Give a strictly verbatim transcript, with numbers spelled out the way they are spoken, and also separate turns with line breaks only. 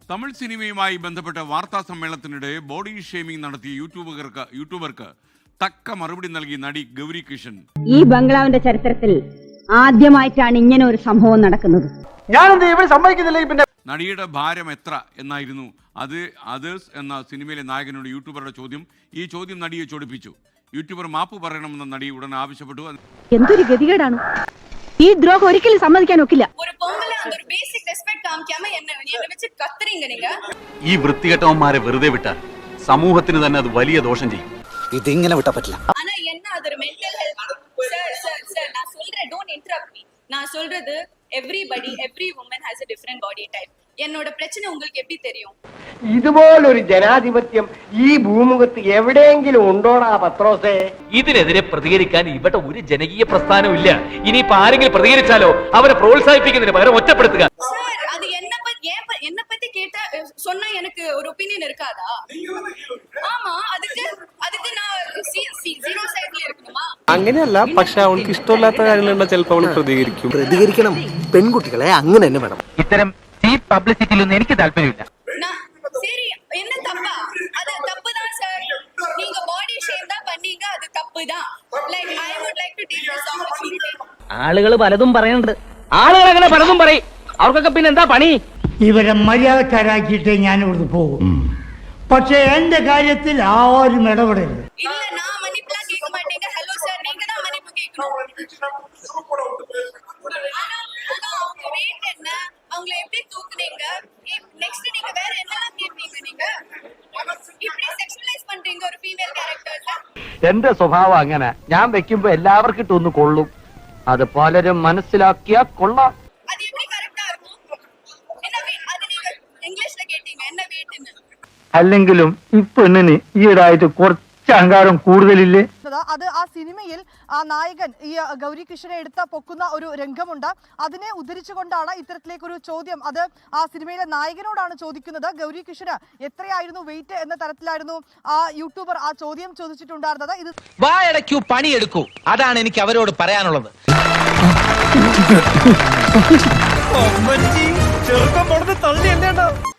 തമിഴ് സിനിമയുമായി ബന്ധപ്പെട്ട വാർത്താ സമ്മേളനത്തിനിടെ ബോഡി ഷേമിംഗ് നടത്തിയ യൂട്യൂബർക്ക് യൂട്യൂബർക്ക് തക്ക മറുപടി നൽകി നടി ഗൗരി കിഷൻ.
ഈ ബംഗ്ലാവിന്റെ ചരിത്രത്തിൽ ആദ്യമായിട്ടാണ് ഇങ്ങനെ ഒരു സംഭവം നടക്കുന്നത്.
നടിയുടെ ഭാരം എത്ര എന്നായിരുന്നു അത് അതേഴ്സ് എന്ന സിനിമയിലെ നായകനോട് യൂട്യൂബറുടെ ചോദ്യം. ഈ ചോദ്യം നടിയെ ചൊടിപ്പിച്ചു. യൂട്യൂബർ മാപ്പ് പറയണമെന്ന് നടി ഉടൻ ആവശ്യപ്പെട്ടു.
എന്തൊരു ഗതികേടാണ്! ഈ ദ്രോഹം ഒരിക്കലും സമ്മതിക്കാൻ ഒക്കില്ല.
ഈ വൃത്തികെട്ടവന്മാരെ വെറുതെ വിട്ടാൽ സമൂഹത്തിന് തന്നെ അത് വലിയ ദോഷം ചെയ്യും.
ഇതിങ്ങനെ വിട്ടാ പറ്റില്ല.
நான் சொல்றது everybody every woman has a different body type. என்னோட பிரச்சனை உங்களுக்கு எப்படி தெரியும்?
ഇതുപോലൊരു ജനാധിപത്യം ഈ ഭൂമുഖത്ത് എവിടെയെങ്കിലും ഉണ്ടോടാ പത്രോസേ?
ഇതിനെതിരെ പ്രതികരിക്കാൻ ഇവിടെ ഒരു ജനകീയ പ്രസ്ഥാനവും ഇല്ല. ഇനിയിപ്പോ ആരെങ്കിലും പ്രതികരിച്ചാലോ അവരെ പ്രോത്സാഹിപ്പിക്കുന്നതിന് പകരം ഒറ്റപ്പെടുത്തുക.
அது என்ன பத்தி என்ன பத்தி கேட்டா சொன்னா எனக்கு ஒரு ஒபினியன் இருக்காதா? ஆமா, அதுக்கு அதுக்கு நான் സീറോ സൈഡിൽ ഇരിക്കணுமா?
അങ്ങനെയല്ല, പക്ഷെ അവൾക്ക് ഇഷ്ടമില്ലാത്ത കാര്യങ്ങളുള്ള ചിലപ്പോൾ അവൾ പ്രതികരിക്കും.
പ്രതികരിക്കണം. പെൺകുട്ടികളെ അങ്ങനെ തന്നെ വേണം.
ഇത്തരം ചീപ്പ് പബ്ലിസിറ്റിയിലൊന്നും എനിക്ക് താല്പര്യമില്ല.
சரி, என்ன தப்பா? அது தப்பு தான் சார். நீங்க பாடி ஷேம் தான் பண்ணீங்க, அது தப்பு தான். Like I would like to take this opportunity.
ആളുകൾ പലതും പറയുന്നുണ്ട്. ആളുകൾ അങ്ങനെ പലതും പറയും. അവർക്കൊക്കെ പിന്നെ എന്താ പണി?
ഇവരെ മര്യാദക്കാരാക്കിയിട്ട് ഞാൻ ഇവിടുന്ന് പോകും. പക്ഷെ എന്റെ കാര്യത്തിൽ ആരും ഇടപെടരുത്.
இல்ல, நான் மன்னிப்புலாம் கேட்க மாட்டேங்க. ஹலோ சார், நீங்க தான் மன்னிப்பு கேட்கணும். ஆனா அவங்க வெயிட் என்ன, அவங்களை எப்படி தூக்குனீங்க, நெக்ஸ்ட் நீங்க வேற என்னலாம் கேட்பீங்க? நீங்க இப்படி செக்ஷுவலைஸ் பண்றீங்க ஒரு ஃபீமேல் கேரக்டர்ல.
എന്റെ സ്വഭാവം അങ്ങനെ. ഞാൻ വെക്കുമ്പോ എല്ലാവർക്കും ഇട്ടൊന്ന് കൊള്ളും. അത് പലരും മനസ്സിലാക്കിയാ കൊള്ളാം.
அது எப்படி கரெக்டா இருக்கும்? என்ன அது நீங்க ഇംഗ്ലീഷിൽ കേട്ടീங்க என்ன വെയിட்னு?
അല്ലെങ്കിലും ഈ പെണ്ണിന് ഈയിടായിട്ട് കുറച്ച് അഹങ്കാരം കൂടുതലില്ലേ?
അത് ആ സിനിമയിൽ ആ നായകൻ ഈ ഗൗരി കിഷനെ എടുത്ത പൊക്കുന്ന ഒരു രംഗമുണ്ട്. അതിനെ ഉദ്ധരിച്ചുകൊണ്ടാണ് ഇത്തരത്തിലേക്കൊരു ചോദ്യം. അത് ആ സിനിമയിലെ നായകനോടാണ് ചോദിക്കുന്നത്. ഗൗരി കിഷന് എത്രയായിരുന്നു വെയിറ്റ് എന്ന തരത്തിലായിരുന്നു ആ യൂട്യൂബർ ആ ചോദ്യം ചോദിച്ചിട്ടുണ്ടായിരുന്നത്. ഇത്
വായടയ്ക്കൂ, പണിയെടുക്കൂ, അതാണ് എനിക്ക് അവരോട് പറയാനുള്ളത്.
ചെറുക്കം തള്ളി അല്ലേണ്ട